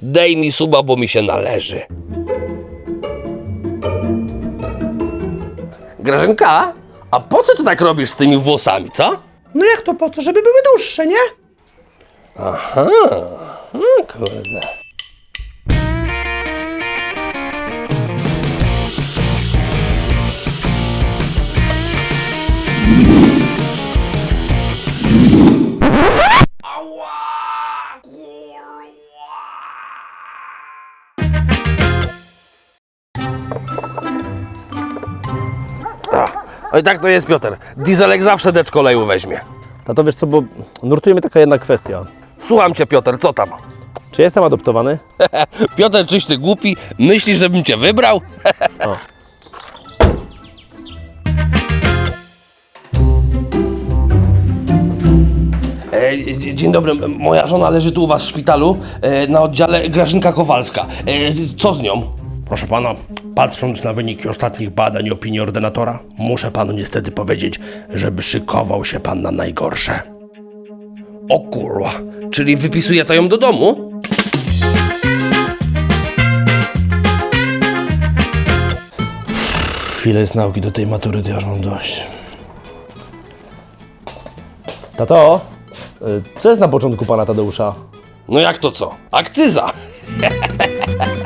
Daj mi suba, bo mi się należy. Grażynka, a po co ty tak robisz z tymi włosami, co? No jak to po co? Żeby były dłuższe, nie? Aha, kurde. Ała, kurwa. Oj, tak to jest, Piotr. Dieselek zawsze decz koleju weźmie. Tato, wiesz co, bo nurtuje mnie taka jedna kwestia. Słucham cię, Piotr, co tam? Czy jestem adoptowany? Piotr, czyś ty głupi? Myślisz, żebym cię wybrał? Dzień dobry, moja żona leży tu u was w szpitalu na oddziale Grażynka Kowalska. Co z nią? Proszę pana, patrząc na wyniki ostatnich badań i opinii ordynatora, muszę panu niestety powiedzieć, żeby szykował się pan na najgorsze. O kurwa, czyli wypisuje to ją do domu? Chwilę jest nauki do tej matury, to ja już mam dość. Tato, co jest na początku pana Tadeusza? No jak to co? Akcyza!